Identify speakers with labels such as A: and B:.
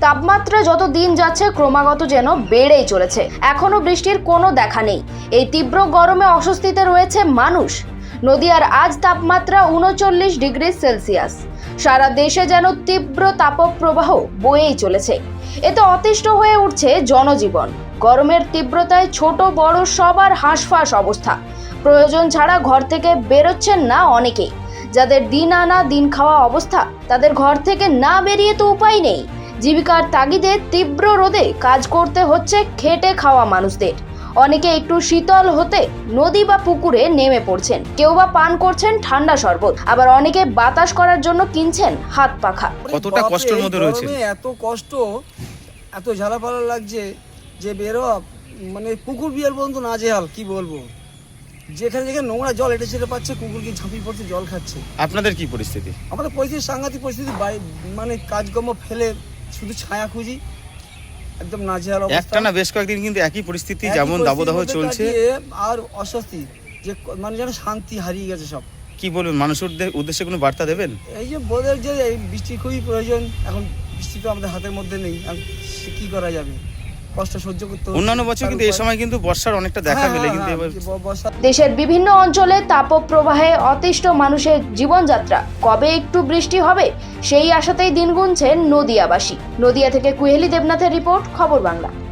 A: তাপমাত্রা যত দিন যাচ্ছে ক্রমাগত যেন বেড়েই চলেছে। এখনো বৃষ্টির কোনো দেখা নেই। এই তীব্র গরমে অস্বস্তিতে রয়েছে মানুষ। নদিয়ার আজ তাপমাত্রা ৩৯ ডিগ্রি সেলসিয়াস। সারা দেশে যেন তীব্র তাপপ্রবাহ বয়েই চলেছে। এতে অতিষ্ঠ হয়ে উঠছে জনজীবন। গরমের তীব্রতায় ছোট বড় সবার হাঁসফাঁস অবস্থা। প্রয়োজন ছাড়া ঘর থেকে বেরোচ্ছেন না অনেকেই। যাদের দিন আনা দিন খাওয়া অবস্থা, তাদের ঘর থেকে না বেরিয়ে তো উপায় নেই। জীবিকার তাগিদে তীব্র রোদে কাজ করতে হচ্ছে খেটে খাওয়া মানুষদের। অনেকে একটু শীতল হতে নদী বা পুকুরে নেমে পড়ছেন, কেউ বা পান করছেন ঠান্ডা শরবত, আবার অনেকে বাতাস করার জন্য কিনছেন হাত পাখা।
B: কতটা কষ্টের মধ্যে রয়েছে,
C: এত কষ্ট, এত ঝালাপালা লাগছে যে বেরো মানে কুকুর বিয়ার পর্যন্ত নাজেহাল, কি বলবো। যেখানে যেখানে নোংরা জল এটা সেটা পাচ্ছে, কুকুর গিয়ে ঝাঁপিয়ে পড়ছে, জল খাচ্ছে।
B: আপনাদের কি পরিস্থিতি?
C: আমাদের পরিস্থিতি সাংঘাতিক পরিস্থিতি, মানে কাজকর্ম ফেলে শুধু ছায়া খুঁজি, একদম নাজেহাল অবস্থা।
B: একটানা বেশ কয়েকদিন কিন্তু একই পরিস্থিতি, যেমন দাবদাহ চলছে
C: আর অস্বস্তি, যে মানে যেন শান্তি হারিয়ে গেছে সব।
B: কি বলবেন, মানুষের উদ্দেশ্যে কোনো বার্তা দেবেন?
C: এই যে বোধের যে এই বৃষ্টি খুবই প্রয়োজন, এখন বৃষ্টি তো আমাদের হাতের মধ্যে নেই, কি করা যাবে, কষ্ট সহ্য করতে।
B: অন্যান্য বছর কিন্তু এই সময় কিন্তু বর্ষার অনেকটা দেখা মেলে, কিন্তু এবার
A: দেশের বিভিন্ন অঞ্চলে তাপপ্রবাহে অতিষ্ঠ মানুষের জীবনযাত্রা। কবে একটু বৃষ্টি হবে সেই আশাতেই দিন গুনছেন নদিয়াবাসী। নদিয়া থেকে কুহেলি দেবনাথের রিপোর্ট, খবর বাংলা।